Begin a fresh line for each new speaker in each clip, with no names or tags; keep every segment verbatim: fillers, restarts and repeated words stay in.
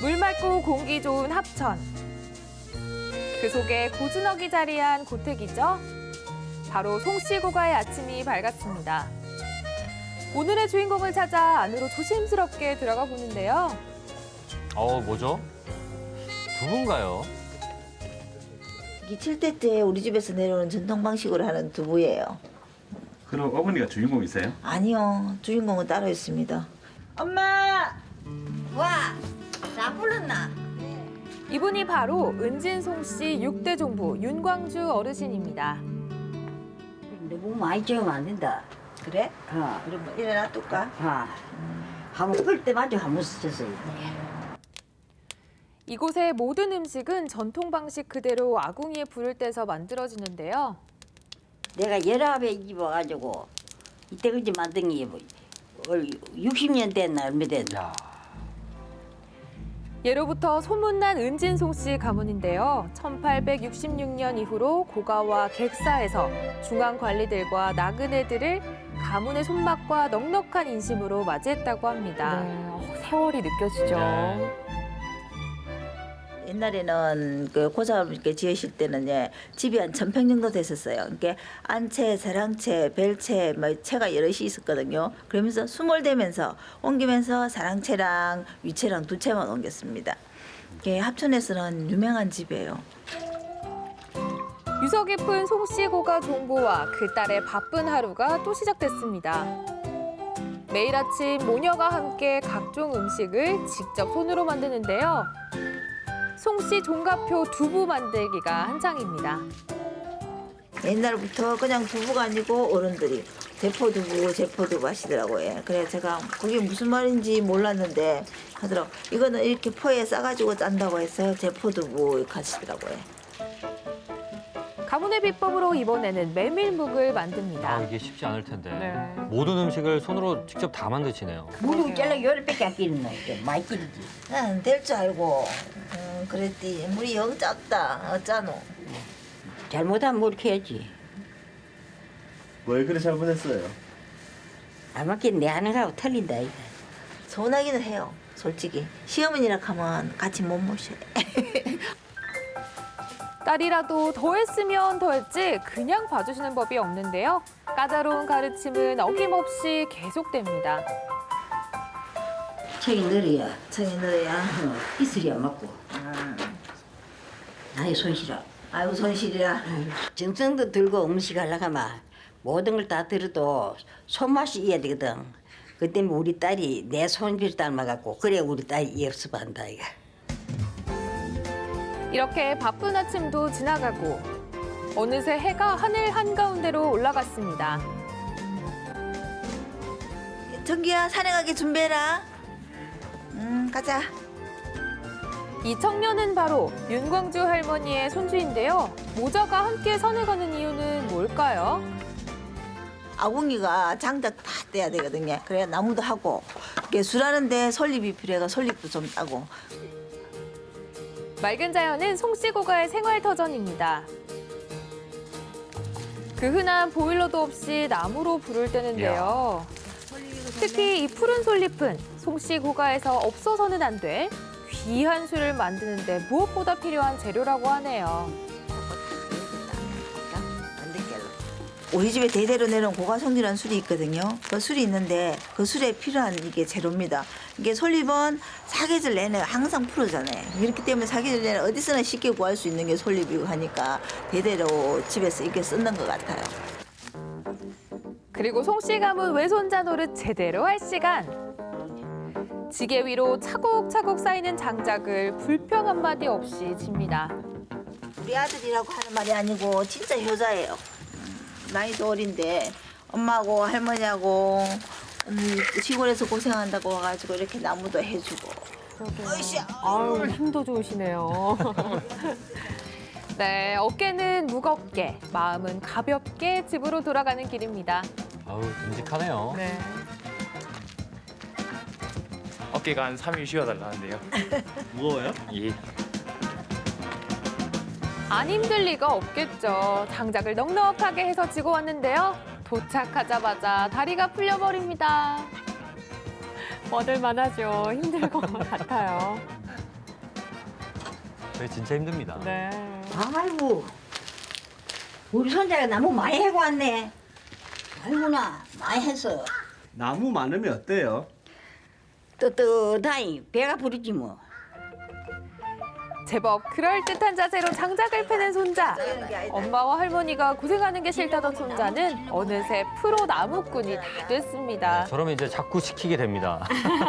물 맑고 공기 좋은 합천. 그 속에 고즈넉이 자리한 고택이죠. 바로 송씨고가의 아침이 밝았습니다. 오늘의 주인공을 찾아 안으로 조심스럽게 들어가 보는데요.
어, 뭐죠? 두부인가요?
이게 칠 대째 우리 집에서 내려오는 전통 방식으로 하는 두부예요.
그럼 어머니가 주인공이세요?
아니요, 주인공은 따로 있습니다. 엄마! 와! 나 불렀나?
이분이 바로 은진송 씨 육 대 종부 윤광주 어르신입니다.
너무 많이 찍으면 안 된다.
그래?
어,
그럼 뭐 일어나 둘까?
아, 한번 끓을 때마저 한번 스쳤어요.
이곳의 모든 음식은 전통 방식 그대로 아궁이에 불을 떼서 만들어지는데요.
내가 열아홉에 입어가지고 이때까지 만든 게 육십 년 됐나 얼마 됐나.
예로부터 소문난 은진송 씨 가문인데요. 천팔백육십육 년 이후로 고가와 객사에서 중앙 관리들과 나그네들을 가문의 손맛과 넉넉한 인심으로 맞이했다고 합니다. 네, 세월이 느껴지죠.
네.
옛날에는 그 고사를 이렇게 지으실 때는 예, 집이 한 천평 정도 됐었어요. 그러니까 안채, 사랑채, 벨채, 뭐 채가 여럿이 있었거든요. 그러면서 수몰되면서 옮기면서 사랑채랑 위채랑 두 채만 옮겼습니다. 이게 합천에서는 유명한 집이에요.
유서 깊은 송씨 고가 종보와 그 딸의 바쁜 하루가 또 시작됐습니다. 매일 아침 모녀가 함께 각종 음식을 직접 손으로 만드는데요. 송씨 종가표 두부 만들기가 한창입니다.
옛날부터 그냥 두부가 아니고 어른들이 제포두부, 제포두부 하시더라고요. 그래 제가 그게 무슨 말인지 몰랐는데 하더라고. 이거는 이렇게 포에 싸가지고 짠다고 해서 제포두부 하시더라고요.
가문의 비법으로 이번에는 메밀묵을 만듭니다.
아, 이게 쉽지 않을 텐데.
네.
모든 음식을 손으로 직접 다 만드시네요.
물이 잘라 열흘밖에 안 끼는 거 많이 끼지.
난 될 줄 알고 음, 그랬디. 물이 영 짰다. 어쩌노.
잘못하면 물 캐야지.
왜 그래 잘못했어요?
안 맞긴 내 하는 거하고 틀린다. 이거.
서운하기는 해요. 솔직히. 시어머니라 하면 같이 못 모셔요.
딸이라도 더 했으면 더 했지 그냥 봐주시는 법이 없는데요. 까다로운 가르침은 어김없이 계속됩니다.
책이 늘어야
청이 너야.
어, 이슬이 안 맞고. 나의 손실아.
아이고 손실이라.
정성도 들고 음식 하려고 하면 모든 걸 다 들어도 손맛이 이어야 되거든. 그 때문에 우리 딸이 내 손질 닮아갖고 그래 우리 딸이 연습한다 이거.
이렇게 바쁜 아침도 지나가고 어느새 해가 하늘 한가운데로 올라갔습니다.
정기야 산에 가게 준비해라. 음 가자.
이 청년은 바로 윤광주 할머니의 손주인데요. 모자가 함께 산에 가는 이유는 뭘까요?
아궁이가 장작 다 떼야 되거든요. 그래야 나무도 하고 이렇게 술하는데 솔잎이 필요해가 솔잎도 좀 따고.
맑은 자연은 송씨고가의 생활터전입니다. 그 흔한 보일러도 없이 나무로 불을 떼는데요. 특히 이 푸른 솔잎은 송씨고가에서 없어서는 안 될 귀한 술을 만드는데 무엇보다 필요한 재료라고 하네요.
우리 집에 대대로 내려온 고가성리라는 술이 있거든요. 그 술이 있는데 그 술에 필요한 이게 재료입니다. 이게 솔잎은 사계절 내내 항상 푸르잖아요. 그렇기 때문에 사계절 내내 어디서나 쉽게 구할 수 있는 게 솔잎이고 하니까 대대로 집에서 이렇게 쓰는 것 같아요.
그리고 송씨 가문 외손자 노릇 제대로 할 시간. 지게 위로 차곡차곡 쌓이는 장작을 불평 한마디 없이 집니다.
우리 아들이라고 하는 말이 아니고 진짜 효자예요. 나이도 어린데 엄마하고 할머니하고 음, 시골에서 고생한다고 와가지고 이렇게 나무도 해주고. 으쌰.
아유, 힘도 좋으시네요. 네, 어깨는 무겁게, 마음은 가볍게 집으로 돌아가는 길입니다.
아우, 듬직하네요.
네.
어깨가 한 삼 일 쉬어달라는데요.
무거워요?
예.
안 힘들 리가 없겠죠. 장작을 넉넉하게 해서 지고 왔는데요. 도착하자마자 다리가 풀려버립니다. 얻을만하죠. 힘들 것 같아요.
그게 진짜 힘듭니다.
네.
아이고 우리 손자가 나무 많이 해고 왔네. 아이구나 많이 했어.
나무 많으면 어때요?
떳떳하니 배가 부르지 뭐.
제법 그럴듯한 자세로 장작을 패는 손자. 엄마와 할머니가 고생하는 게 싫다던 손자는 어느새 프로 나무꾼이 다 됐습니다.
저러면 이제 자꾸 시키게 됩니다.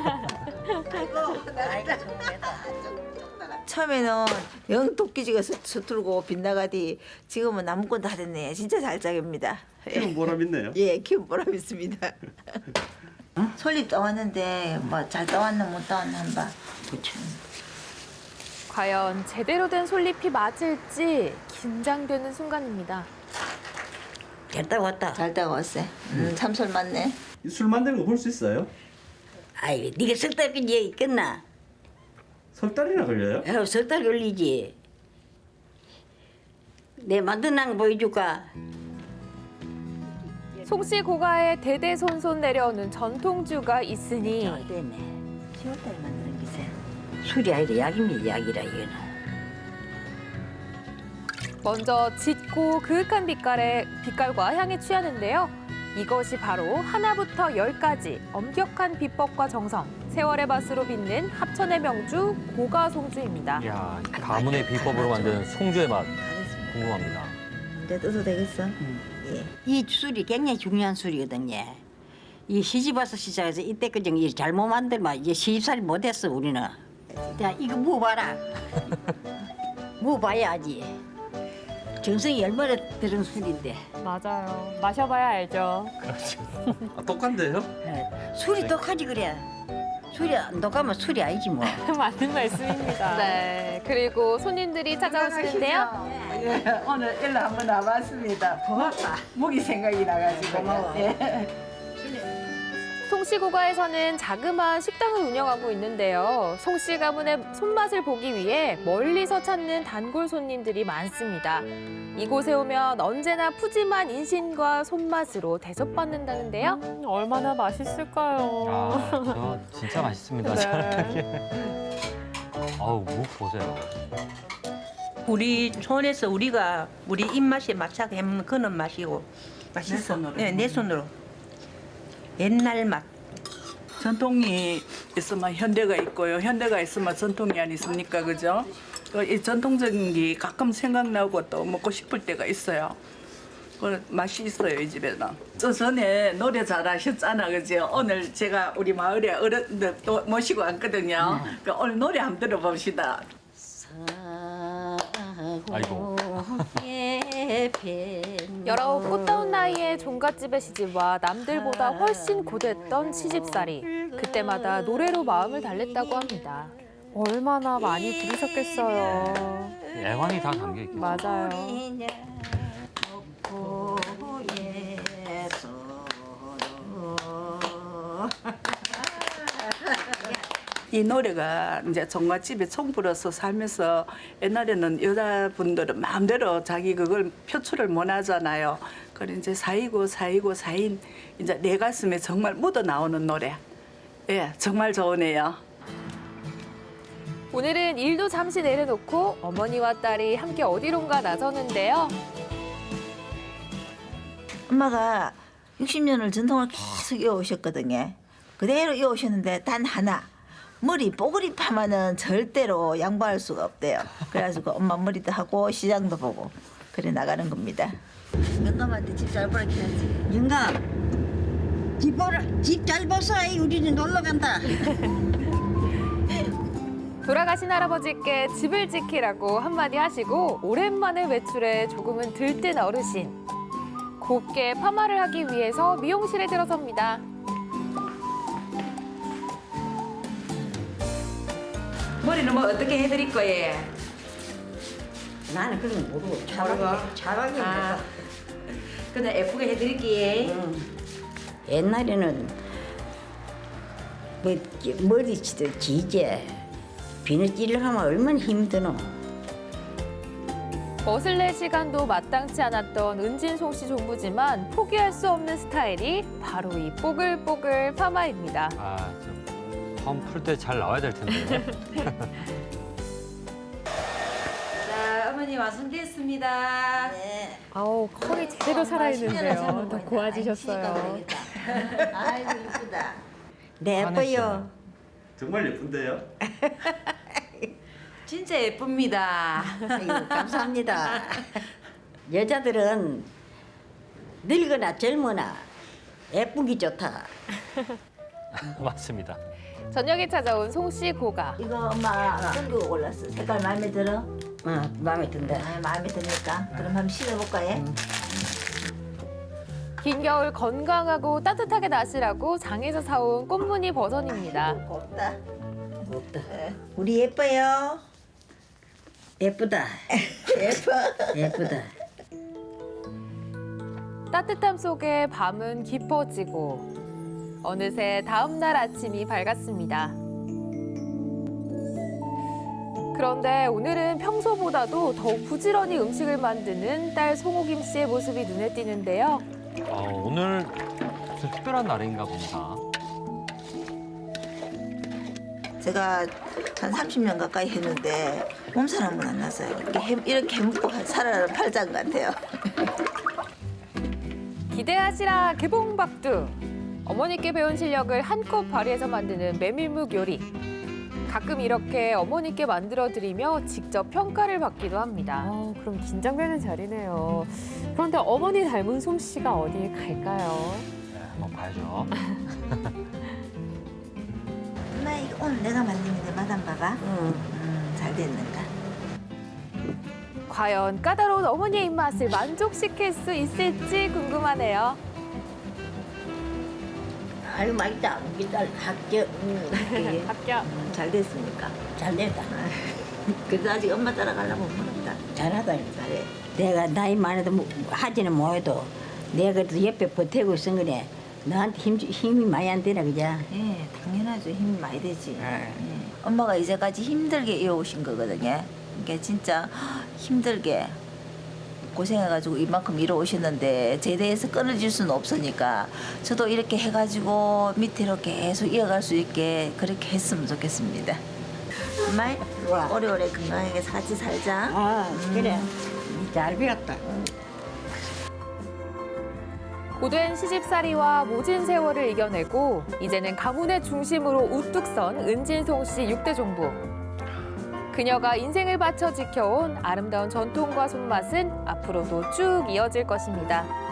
처음에는 영 도끼지가 서- 서툴고 빗나가디 지금은 나무꾼 다 됐네. 진짜 잘 짜깁니다.
지금 보람 있네요.
예, 키운 보람 있습니다. 솔잎 따왔는데 뭐 잘 따왔나 못 따왔나 한번.
그렇죠.
과연 제대로 된 솔잎이 맞을지 긴장되는 순간입니다.
됐다 왔다.
잘 따왔어요. 음, 참솔 맞네.
이술 만드는 거 볼 수 있어요?
아이 네가 석 달까지 끝나.
석 달이나 걸려요?
어, 석달 걸리지. 내 만든 거 보여줄까?
송씨 고가에 대대손손 내려오는 전통주가 있으니
잘 됐네.
시월달에 만드는 기세.
술이 아니라 약입니다. 약이라 이거는.
먼저 짙고 그윽한 빛깔의 빛깔과 향에 취하는데요. 이것이 바로 하나부터 열까지 엄격한 비법과 정성, 세월의 맛으로 빛낸 합천의 명주 고가송주입니다.
이야, 가문의 비법으로 만든 송주의 맛
다 됐습니다.
궁금합니다.
이제 떠도 되겠어? 예.
이 술이 굉장히 중요한 술이거든요. 이 시집 와서 시작해서 이때까지 이 잘못 만들면 이제 시집살이 못했어 우리는. 자 이거 먹어봐라. 먹어봐야 알지. 정성이 얼마나 들은 술인데.
맞아요. 마셔봐야 알죠.
아, 똑같네요.
예, 술이 독하지 그래. 술이 안 독하면 술이 아니지 뭐.
맞는 말씀입니다. 네. 그리고 손님들이 찾아오시는데요.
예, 오늘 일로 한번 와봤습니다.
고맙다.
목이 생각이 나가지고.
고마워.
예.
송씨 고가에서는 자그마한 식당을 운영하고 있는데요. 송씨 가문의 손맛을 보기 위해 멀리서 찾는 단골 손님들이 많습니다. 이곳에 오면 언제나 푸짐한 인심과 손맛으로 대접받는다는데요. 얼마나 맛있을까요?
아, 저 진짜 맛있습니다.
네.
아우, 묵 보세요.
우리 손에서 우리가 우리 입맛에 맞춰서 해먹는 그런 맛이고 맛있어.
내 손으로.
네, 내 손으로. 옛날 맛.
전통이 있으면 현대가 있고요. 현대가 있으면 전통이 아니습니까, 그죠? 그이 전통적인 게 가끔 생각나고 또 먹고 싶을 때가 있어요. 그 맛이 있어요, 이 집에는. 저 전에 노래 잘하셨잖아, 그죠? 오늘 제가 우리 마을에 어른들 또 모시고 왔거든요. 그 오늘 노래 한번 들어봅시다.
아이고.
열아홉 꽃다운 나이에 종갓집에 시집와 남들보다 훨씬 고됐던 시집살이. 그때마다 노래로 마음을 달랬다고 합니다. 얼마나 많이 부르셨겠어요.
애환이 다 담겨 있겠죠.
맞아요.
이 노래가 이제 종갓집에 총 불어서 살면서 옛날에는 여자분들은 마음대로 자기 그걸 표출을 못 하잖아요. 그래 이제 사이고 사이고 사인 이제 내 가슴에 정말 묻어 나오는 노래. 예, 정말 좋으네요.
오늘은 일도 잠시 내려놓고 어머니와 딸이 함께 어디론가 나서는데요.
엄마가 육십 년을 전통을 계속 이어오셨거든요. 그대로 이어오셨는데 단 하나. 머리 뽀글이 파마는 절대로 양보할 수가 없대요. 그래가지고 엄마 머리도 하고 시장도 보고 그래 나가는 겁니다. 영감한테 집 잘 보라 해야지.
영감 집 보라 집잘 보소. 우리는 놀러 간다.
돌아가신 할아버지께 집을 지키라고 한마디 하시고 오랜만에 외출해 조금은 들뜬 어르신. 곱게 파마를 하기 위해서 미용실에 들어섭니다.
머리는 뭐 어떻게 해드릴 거예요?
나는 그런 거 모르고 차박이 차박이
아, 그냥 예쁘게 해드릴게요.
옛날에는 뭐 머리치도 지제 비늘 찔러 하면 얼마나 힘드노.
멋을 낼 시간도 마땅치 않았던 은진송 씨 종부지만 포기할 수 없는 스타일이 바로 이 뽀글뽀글 파마입니다.
아, 저 처음 풀 때 잘 나와야 될 텐데.
어머니 완성됐습니다.
네.
아우 컬이 제대로 살아있는데요. 더 고와지셨어요.
아이고 이쁘다.
네, 예뻐요.
정말 예쁜데요?
진짜 예쁩니다.
아이고, 감사합니다. 여자들은 늙거나 젊거나 예쁘기 좋다.
맞습니다.
저녁에 찾아온 송씨 고가.
이거 엄마 어떤 거 골랐어? 색깔 마음에 들어?
어, 마음에 든다.
아, 마음에 드니까. 그럼 한번 신어볼까 해?
긴 겨울 건강하고 따뜻하게 나시라고 장에서 사온 꽃무늬 버선입니다.
곱다.
없다.
우리 예뻐요.
예쁘다.
예뻐.
예쁘다.
따뜻함 속에 밤은 깊어지고 어느새 다음 날 아침이 밝았습니다. 그런데 오늘은 평소보다도 더욱 부지런히 음식을 만드는 딸 송호김 씨의 모습이 눈에 띄는데요.
아, 오늘 무슨 특별한 날인가 봅니다.
제가 한 삼십 년 가까이 했는데 몸살 한 번 안 났어요. 이렇게, 해, 이렇게 해먹고 살아는 팔짱 같아요.
기대하시라 개봉박두. 어머니께 배운 실력을 한껏 발휘해서 만드는 메밀묵 요리. 가끔 이렇게 어머니께 만들어드리며 직접 평가를 받기도 합니다.
아, 그럼 긴장되는 자리네요. 그런데 어머니 닮은 솜씨가 어디에 갈까요?
네, 한번 봐야죠.
엄마 이거 오늘 내가 만든 게 맛 안 봐봐.
응.
음, 잘 됐는가?
과연 까다로운 어머니의 입맛을 만족시킬 수 있을지 궁금하네요.
아유, 맛있다. 우리 딸 합격. 응, 합격해.
합격.
음, 잘 됐습니까?
잘 됐다.
그래도 아직 엄마 따라가려면 모른다.
잘하다.
잘해.
내가 나이 많아도 뭐- 하지는 못해도 내가 그래도 옆에 버티고 있은 거네. 너한테 힘, 힘이 많이 안 되나, 그죠?
예, 당연하죠. 힘이 많이 되지.
네.
예. 엄마가 이제까지 힘들게 이어오신 거거든요. 그러니까 진짜 힘들게 고생해가지고 이만큼 이뤄오셨는데 제대해서 끊어질 수는 없으니까 저도 이렇게 해가지고 밑으로 계속 이어갈 수 있게 그렇게 했으면 좋겠습니다. 엄마,
좋아.
오래오래 건강하게 같이 살자.
아, 그래. 잘 배웠다.
고된 시집살이와 모진 세월을 이겨내고 이제는 가문의 중심으로 우뚝 선 은진송 씨 육 대 종부. 그녀가 인생을 바쳐 지켜온 아름다운 전통과 손맛은 앞으로도 쭉 이어질 것입니다.